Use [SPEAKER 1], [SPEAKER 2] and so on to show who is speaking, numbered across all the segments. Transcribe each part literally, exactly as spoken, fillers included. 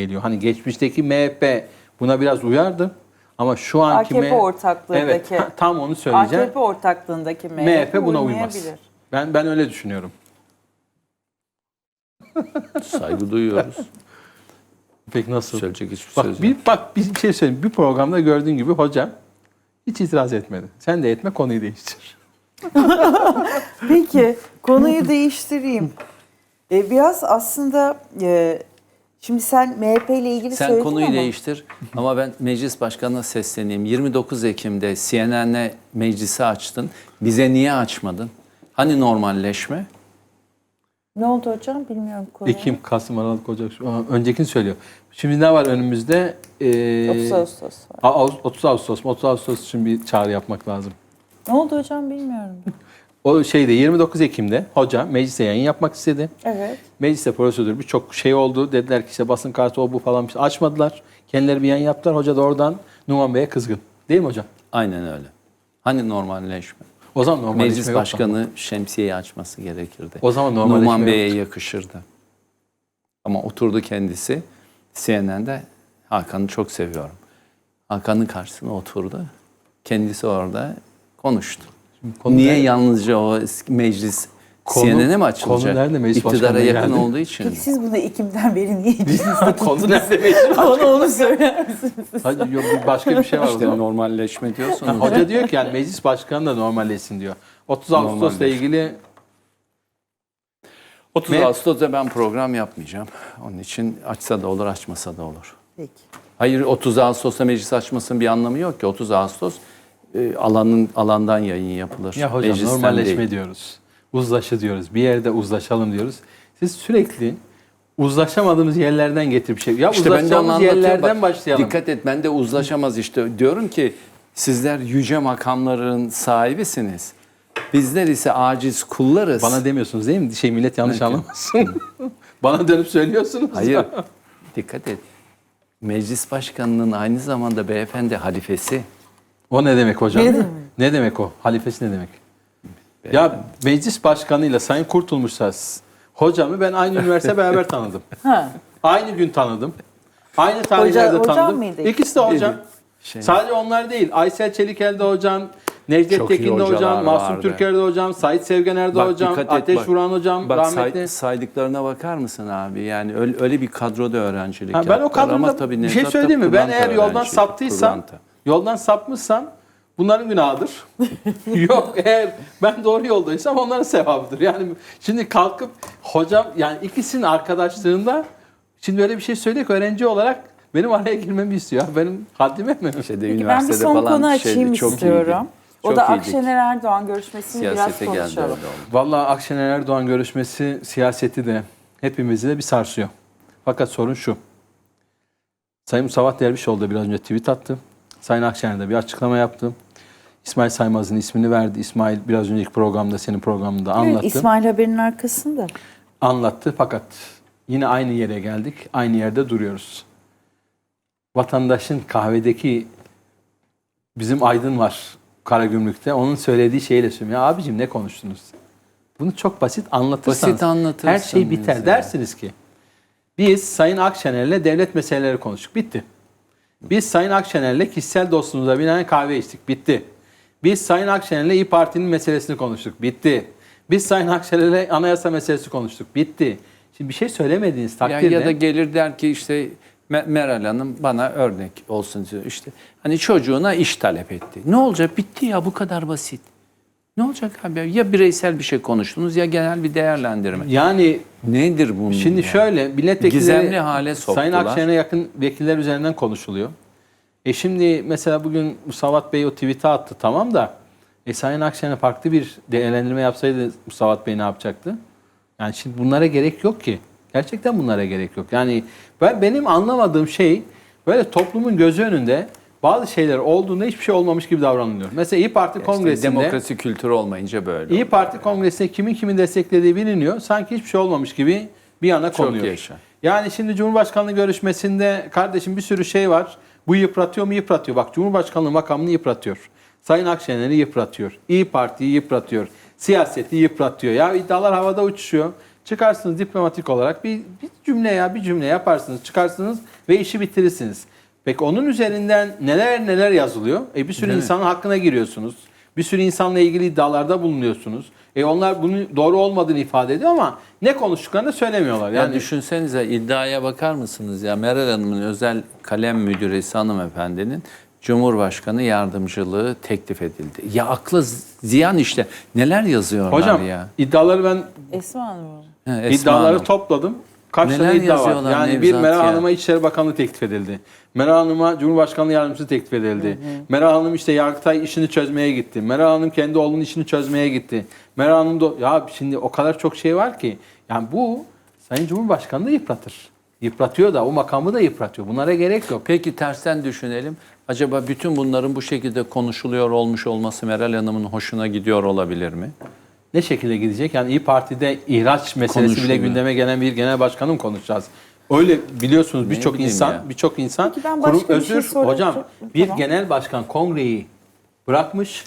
[SPEAKER 1] geliyor. Hani geçmişteki M H P buna biraz uyardı. Ama şu anki
[SPEAKER 2] A K P ortaklığındaki,
[SPEAKER 1] evet, tam onu söyleyeceğim.
[SPEAKER 2] A K P ortaklığındaki M H P,
[SPEAKER 1] M H P buna uymaz.
[SPEAKER 2] uymayabilir.
[SPEAKER 1] Ben ben öyle düşünüyorum.
[SPEAKER 3] Saygı duyuyoruz.
[SPEAKER 1] Peki nasıl?
[SPEAKER 3] Söyleyecek hiçbir
[SPEAKER 1] Bak
[SPEAKER 3] söz
[SPEAKER 1] bir
[SPEAKER 3] yok.
[SPEAKER 1] bak bir şey söyleyeyim. Bir programda gördüğün gibi hocam hiç itiraz etmedi. Sen de etme, konuyu değiştir.
[SPEAKER 2] Peki konuyu değiştireyim. Ee, biraz aslında e, şimdi sen M H P ile ilgili
[SPEAKER 3] Sen
[SPEAKER 2] söyledin
[SPEAKER 3] konuyu
[SPEAKER 2] ama.
[SPEAKER 3] değiştir ama ben meclis başkanına sesleneyim. yirmi dokuz Ekim'de C N N'le meclisi açtın. Bize niye açmadın? Hani normalleşme?
[SPEAKER 2] Ne oldu hocam bilmiyorum konuyu.
[SPEAKER 1] Ekim, Kasım, Aralık, Ocak. Şu- Öncekini söylüyor. Şimdi ne var önümüzde? Ee,
[SPEAKER 2] otuz Ağustos var.
[SPEAKER 1] Ağustos, otuz Ağustos mu? otuz Ağustos için bir çağrı yapmak lazım.
[SPEAKER 2] Ne oldu hocam bilmiyorum.
[SPEAKER 1] O şeyde yirmi dokuz Ekim'de hoca meclise yayın yapmak istedi.
[SPEAKER 2] Evet.
[SPEAKER 1] Mecliste prosedür birçok şey oldu. Dediler ki işte basın kartı o bu falan bir şey. Açmadılar. Kendileri bir yayın yaptılar. Hoca da oradan Numan Bey'e kızgın. Değil mi hocam?
[SPEAKER 3] Aynen öyle. Hani normalleşme?
[SPEAKER 1] O zaman normalleşme
[SPEAKER 3] Meclis
[SPEAKER 1] yok mu?
[SPEAKER 3] başkanı şemsiyeyi açması gerekirdi.
[SPEAKER 1] O zaman normalleşme
[SPEAKER 3] Numan Bey'e
[SPEAKER 1] yoktu.
[SPEAKER 3] yakışırdı. Ama oturdu kendisi C N N'de. Hakan'ı çok seviyorum. Hakan'ın karşısına oturdu. Kendisi orada konuştu.
[SPEAKER 1] Konu
[SPEAKER 3] Niye
[SPEAKER 1] nerede?
[SPEAKER 3] yalnızca o meclis
[SPEAKER 1] Konu-
[SPEAKER 3] C N N'e mi açılacak?
[SPEAKER 1] konu nerede? Meclis
[SPEAKER 3] İktidara
[SPEAKER 1] başkanına
[SPEAKER 3] yakın
[SPEAKER 1] geldi.
[SPEAKER 3] olduğu için.
[SPEAKER 2] Peki siz bunu Ekim'den beri niye içinizde
[SPEAKER 1] Konu nerede meclis?
[SPEAKER 2] Bana onu söyler misiniz?
[SPEAKER 1] Hadi yok bir başka bir şey var o
[SPEAKER 3] İşte
[SPEAKER 1] zaman.
[SPEAKER 3] normalleşme diyorsunuz.
[SPEAKER 1] Ha, hoca diyor ki yani meclis başkanı da normalleşsin diyor. otuz Ağustos'la
[SPEAKER 3] Normalleşme.
[SPEAKER 1] ilgili
[SPEAKER 3] otuz
[SPEAKER 1] Me-
[SPEAKER 3] Ağustos'ta ben program yapmayacağım. Onun için açsa da olur, açmasa da olur.
[SPEAKER 2] Peki.
[SPEAKER 3] Hayır, otuz Ağustos'ta meclis açmasının bir anlamı yok ki. otuz Ağustos e, alanın alandan yayın yapılır.
[SPEAKER 1] ya hocam
[SPEAKER 3] Meclisten
[SPEAKER 1] normalleşme
[SPEAKER 3] değil.
[SPEAKER 1] diyoruz. Uzlaşı diyoruz. Bir yerde uzlaşalım diyoruz. Siz sürekli uzlaşamadığımız yerlerden getirip şey. Ya
[SPEAKER 3] İşte ben de onu
[SPEAKER 1] uzlaşacağımız
[SPEAKER 3] anlatıyorum.
[SPEAKER 1] yerlerden
[SPEAKER 3] Bak,
[SPEAKER 1] başlayalım.
[SPEAKER 3] Dikkat et, ben de uzlaşamaz işte. Diyorum ki sizler yüce makamların sahibisiniz. Bizler ise aciz kullarız.
[SPEAKER 1] Bana demiyorsunuz değil mi? Şey millet yanlış
[SPEAKER 3] Evet.
[SPEAKER 1] anlamasın. Bana dönüp söylüyorsunuz.
[SPEAKER 3] Hayır, dikkat et. Meclis başkanının aynı zamanda beyefendi halifesi.
[SPEAKER 1] O ne demek hocam?
[SPEAKER 2] Ne demek?
[SPEAKER 1] Ne demek o? Halifesi ne demek? Ya meclis başkanıyla Sayın Kurtulmuş'sa hocamı ben aynı üniversite beraber tanıdım.
[SPEAKER 2] Ha.
[SPEAKER 1] Aynı gün tanıdım. Aynı tarihlerde
[SPEAKER 2] hocam
[SPEAKER 1] tanıdım.
[SPEAKER 2] mıydı?
[SPEAKER 1] İkisi de hocam.
[SPEAKER 3] Şey,
[SPEAKER 1] Sadece onlar değil. Aysel Çelikel de hocam, Necdet
[SPEAKER 3] Çok iyi
[SPEAKER 1] Tekin de
[SPEAKER 3] hocalar
[SPEAKER 1] hocam, Mahsun
[SPEAKER 3] vardı.
[SPEAKER 1] Türker de hocam, Sait Sevgener de
[SPEAKER 3] Bak,
[SPEAKER 1] hocam,
[SPEAKER 3] dikkat et,
[SPEAKER 1] Ateş
[SPEAKER 3] bak.
[SPEAKER 1] Vuran hocam,
[SPEAKER 3] Bak say-
[SPEAKER 1] rahmetli.
[SPEAKER 3] saydıklarına bakar mısın abi? Yani öyle, öyle bir kadroda öğrencilik
[SPEAKER 1] Ha, ben o
[SPEAKER 3] yaptılar. Ama
[SPEAKER 1] kadroda
[SPEAKER 3] tabii
[SPEAKER 1] bir şey
[SPEAKER 3] Nevzat da
[SPEAKER 1] söyleyeyim mi? Ben
[SPEAKER 3] pırlanta
[SPEAKER 1] eğer yoldan
[SPEAKER 3] öğrenci,
[SPEAKER 1] saptıysam,
[SPEAKER 3] pırlanta.
[SPEAKER 1] yoldan sapmışsam bunların günahıdır. Yok eğer ben doğru yoldaysam onların sevabıdır. Yani şimdi kalkıp hocam yani ikisinin arkadaşlığında şimdi böyle bir şey söyleyek öğrenci olarak benim araya girmemi istiyor. Benim haddime mi?
[SPEAKER 3] Şeyde,
[SPEAKER 2] Peki ben bir
[SPEAKER 3] üniversitede
[SPEAKER 2] son
[SPEAKER 3] falan
[SPEAKER 2] konu
[SPEAKER 3] şeydi,
[SPEAKER 2] açayım
[SPEAKER 3] çok
[SPEAKER 2] istiyorum.
[SPEAKER 3] iyiydi.
[SPEAKER 2] O
[SPEAKER 3] Çok
[SPEAKER 2] da
[SPEAKER 3] iyiydik.
[SPEAKER 2] Akşener Erdoğan görüşmesini
[SPEAKER 3] Siyasete
[SPEAKER 2] biraz
[SPEAKER 3] geldi
[SPEAKER 2] konuşalım.
[SPEAKER 3] öyle oldu.
[SPEAKER 1] Vallahi Akşener Erdoğan görüşmesi siyaseti de hepimizi de bir sarsıyor. Fakat sorun şu. Sayın Musavat Dervişoğlu da biraz önce tweet attı. Sayın Akşener de bir açıklama yaptı. İsmail Saymaz'ın ismini verdi. İsmail biraz önceki programda senin programında anlattı.
[SPEAKER 2] Evet, İsmail haberin arkasında.
[SPEAKER 1] Anlattı fakat yine aynı yere geldik. Aynı yerde duruyoruz. Vatandaşın kahvedeki bizim Aydın var Karagümrük'te. Onun söylediği şeyle söylüyorum. Ya abicim ne konuştunuz? Bunu çok basit anlatırsanız
[SPEAKER 3] Basit anlatırsınız
[SPEAKER 1] her şey biter.
[SPEAKER 3] ya.
[SPEAKER 1] Dersiniz ki biz Sayın Akşener'le devlet meseleleri konuştuk. Bitti. Biz Sayın Akşener'le kişisel dostluğumuza binaen kahve içtik. Bitti. Biz Sayın Akşener'le İYİ Parti'nin meselesini konuştuk. Bitti. Biz Sayın Akşener'le anayasa meselesi konuştuk. Bitti. Şimdi bir şey söylemediğiniz
[SPEAKER 3] Ya,
[SPEAKER 1] takdirde
[SPEAKER 3] ya da gelir der ki işte Me- Meral Hanım bana örnek olsun diyor. İşte hani çocuğuna iş talep etti. Ne olacak? Bitti ya, bu kadar basit. Ne olacak abi? Ya bireysel bir şey konuştunuz ya genel bir değerlendirme.
[SPEAKER 1] yani
[SPEAKER 3] Nedir bunun?
[SPEAKER 1] şimdi
[SPEAKER 3] ya?
[SPEAKER 1] şöyle milletvekilleri
[SPEAKER 3] Gizemli hale soktular.
[SPEAKER 1] Sayın Akşener'e yakın vekiller üzerinden konuşuluyor. E şimdi mesela bugün Musavat Bey o tweet'i attı tamam da e Sayın Akşener farklı bir değerlendirme yapsaydı Musavat Bey ne yapacaktı? Yani şimdi bunlara gerek yok ki. Gerçekten bunlara gerek yok. Yani ben benim anlamadığım şey böyle toplumun gözü önünde bazı şeyler olduğunda hiçbir şey olmamış gibi davranılıyor. Mesela İYİ Parti
[SPEAKER 3] İşte
[SPEAKER 1] Kongresi'nde
[SPEAKER 3] demokrasi kültürü olmayınca böyle.
[SPEAKER 1] İYİ Parti Kongresi'nde kimin kimin desteklediği biliniyor. Sanki hiçbir şey olmamış gibi bir yana
[SPEAKER 3] Çok
[SPEAKER 1] konuyor.
[SPEAKER 3] yaşa.
[SPEAKER 1] Yani şimdi Cumhurbaşkanlığı görüşmesinde kardeşim bir sürü şey var. Bu yıpratıyor mu? Yıpratıyor. Bak Cumhurbaşkanlığı makamını yıpratıyor. Sayın Akşener'i yıpratıyor. İYİ Parti'yi yıpratıyor. Siyaseti yıpratıyor. Ya iddialar havada uçuşuyor. Çıkarsınız diplomatik olarak bir, bir cümle ya bir cümle yaparsınız, çıkarsınız ve işi bitirirsiniz. Peki onun üzerinden neler neler yazılıyor? E bir sürü
[SPEAKER 3] Değil mi?
[SPEAKER 1] insanın hakkına giriyorsunuz. Bir sürü insanla ilgili iddialarda bulunuyorsunuz. E onlar bunun doğru olmadığını ifade ediyor ama ne konuştuklarını da söylemiyorlar.
[SPEAKER 3] Yani
[SPEAKER 1] Yani
[SPEAKER 3] düşünsenize, iddiaya bakar mısınız ya, Meral Hanım'ın özel kalem müdüresi hanımefendinin Cumhurbaşkanı yardımcılığı teklif edildi. Ya aklı ziyan işte. Neler yazıyorlar
[SPEAKER 1] hocam
[SPEAKER 3] ya.
[SPEAKER 1] iddiaları ben
[SPEAKER 2] Esma Hanım.
[SPEAKER 3] He, Esma
[SPEAKER 1] iddiaları
[SPEAKER 3] Hanım.
[SPEAKER 1] topladım. Kaç
[SPEAKER 3] Neler
[SPEAKER 1] tane iddia var?
[SPEAKER 3] yazıyorlar
[SPEAKER 1] Yani bir
[SPEAKER 3] Nevzat
[SPEAKER 1] Meral
[SPEAKER 3] ya.
[SPEAKER 1] Hanım'a İçişleri Bakanlığı teklif edildi. Meral Hanım'a Cumhurbaşkanlığı Yardımcısı teklif edildi. Meral Hanım işte Yargıtay işini çözmeye gitti. Meral Hanım kendi oğlunun işini çözmeye gitti. Meral Hanım da ya şimdi o kadar çok şey var ki yani bu Sayın Cumhurbaşkanı da yıpratır. Yıpratıyor da o makamı da yıpratıyor. Bunlara gerek yok.
[SPEAKER 3] Peki tersten düşünelim. Acaba bütün bunların bu şekilde konuşuluyor olmuş olması Meral Hanım'ın hoşuna gidiyor olabilir mi?
[SPEAKER 1] Ne şekilde gidecek? Yani İyi Parti'de ihraç meselesi bile
[SPEAKER 3] Konuşuluyor.
[SPEAKER 1] gündeme gelen bir genel başkanı mı konuşacağız? Öyle biliyorsunuz
[SPEAKER 3] Ne
[SPEAKER 1] birçok
[SPEAKER 3] bileyim
[SPEAKER 1] insan,
[SPEAKER 3] ya.
[SPEAKER 1] birçok insan
[SPEAKER 2] Peki ben
[SPEAKER 1] kurum
[SPEAKER 2] başka bir şey
[SPEAKER 1] özür
[SPEAKER 2] sorayım.
[SPEAKER 1] hocam bir
[SPEAKER 2] Tamam.
[SPEAKER 1] genel başkan kongreyi bırakmış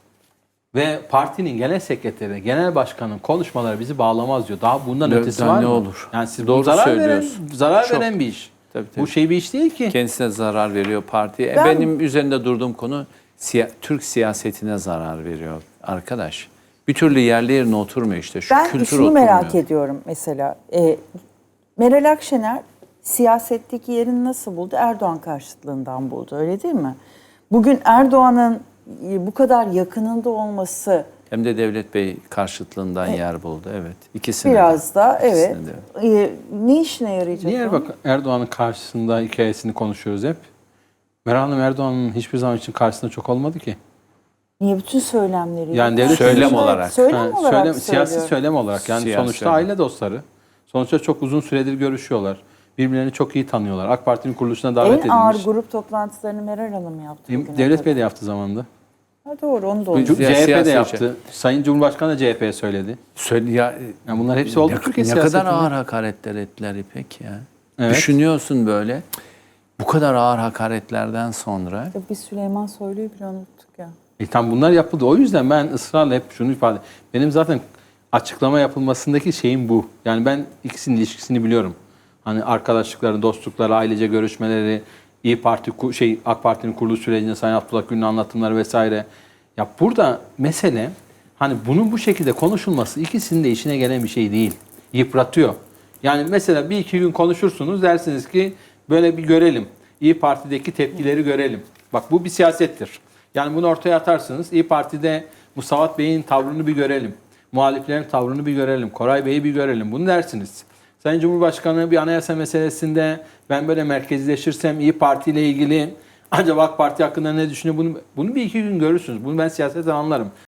[SPEAKER 1] ve partinin genel sekreteri, genel başkanın konuşmaları bizi bağlamaz diyor. Daha bundan
[SPEAKER 3] Ne-
[SPEAKER 1] ötesi
[SPEAKER 3] daha
[SPEAKER 1] var
[SPEAKER 3] ne
[SPEAKER 1] mı?
[SPEAKER 3] olur?
[SPEAKER 1] Yani siz
[SPEAKER 3] Doğru
[SPEAKER 1] bu zarar veren,
[SPEAKER 3] söylüyorsun.
[SPEAKER 1] zarar
[SPEAKER 3] Çok.
[SPEAKER 1] veren bir iş.
[SPEAKER 3] Tabii, tabii.
[SPEAKER 1] Bu şey bir iş değil ki.
[SPEAKER 3] Kendisine zarar veriyor partiye. E,
[SPEAKER 2] Ben-
[SPEAKER 3] Benim üzerinde durduğum konu siya- Türk siyasetine zarar veriyor arkadaş. Bir türlü yerli yerine oturmuyor işte. Şu
[SPEAKER 2] Ben
[SPEAKER 3] kültür
[SPEAKER 2] şunu
[SPEAKER 3] oturmuyor.
[SPEAKER 2] merak ediyorum mesela. Ee, Meral Akşener siyasetteki yerini nasıl buldu? Erdoğan karşıtlığından buldu, öyle değil mi? Bugün Erdoğan'ın e, bu kadar yakınında olması
[SPEAKER 3] Hem de Devlet Bey karşıtlığından yer buldu. Evet. İkisine
[SPEAKER 2] biraz
[SPEAKER 3] de.
[SPEAKER 2] da evet.
[SPEAKER 3] İkisine de.
[SPEAKER 2] e, ne işine yarayacak?
[SPEAKER 1] Niye
[SPEAKER 2] o?
[SPEAKER 1] bak Erdoğan'ın karşısında hikayesini konuşuyoruz hep. Meral Hanım Erdoğan'ın hiçbir zaman için karşısında çok olmadı ki.
[SPEAKER 2] Niye bütün söylemleri?
[SPEAKER 1] Yani devlet
[SPEAKER 3] Söylem
[SPEAKER 2] Evet,
[SPEAKER 3] olarak.
[SPEAKER 2] Söylem
[SPEAKER 1] Ha,
[SPEAKER 2] olarak
[SPEAKER 1] söylem- siyasi
[SPEAKER 2] söylüyorum.
[SPEAKER 1] söylem olarak yani
[SPEAKER 3] Siyasi
[SPEAKER 1] sonuçta
[SPEAKER 3] söylem.
[SPEAKER 1] aile dostları. Sonuçta çok uzun süredir görüşüyorlar. Birbirlerini çok iyi tanıyorlar. AK Parti'nin kuruluşuna davet
[SPEAKER 2] En ağır
[SPEAKER 1] edilmiş.
[SPEAKER 2] grup toplantılarını Meral Hanım yaptı. bugüne
[SPEAKER 1] Devlet
[SPEAKER 2] kadar.
[SPEAKER 1] Bey de yaptı zamanında.
[SPEAKER 2] Ha, doğru, onu da
[SPEAKER 3] Bu-
[SPEAKER 2] oldu.
[SPEAKER 1] C H P de
[SPEAKER 3] siyasi
[SPEAKER 1] yaptı. Sayın Cumhurbaşkanı da C H P'ye söyledi.
[SPEAKER 3] Söyle ya,
[SPEAKER 1] Yani bunlar hepsi oldu
[SPEAKER 3] ne,
[SPEAKER 1] Türkiye
[SPEAKER 3] ne kadar
[SPEAKER 1] siyasetinde.
[SPEAKER 3] ağır hakaretler ettiler İpek ya.
[SPEAKER 1] Evet.
[SPEAKER 3] Düşünüyorsun böyle. Bu kadar ağır hakaretlerden sonra
[SPEAKER 2] Biz Süleyman Soylu'yu bile unuttuk ya.
[SPEAKER 1] E tam bunlar yapıldı. O yüzden ben ısrarla hep şunu ifade benim zaten açıklama yapılmasındaki şeyim bu. Yani ben ikisinin ilişkisini biliyorum. Hani arkadaşlıkları, dostlukları, ailece görüşmeleri, İyi Parti ku- şey AK Parti'nin kuruluş sürecinde Sayın Abdullah Gül'ün anlatımları vesaire. Ya burada mesele hani bunun bu şekilde konuşulması ikisinin de işine gelen bir şey değil. Yıpratıyor. Yani mesela bir iki gün konuşursunuz dersiniz ki böyle bir görelim. İyi Parti'deki tepkileri görelim. Bak bu bir siyasettir. Yani bunu ortaya atarsınız. İyi Parti'de Musavat Bey'in tavrını bir görelim. Muhaliflerin tavrını bir görelim. Koray Bey'i bir görelim. Bunu dersiniz. Sayın Cumhurbaşkanı bir anayasa meselesinde ben böyle merkezleşirsem İyi Parti ile ilgili acaba AK Parti hakkında ne düşünüyor? Bunu, bunu bir iki gün görürsünüz. Bunu ben siyasetten anlarım.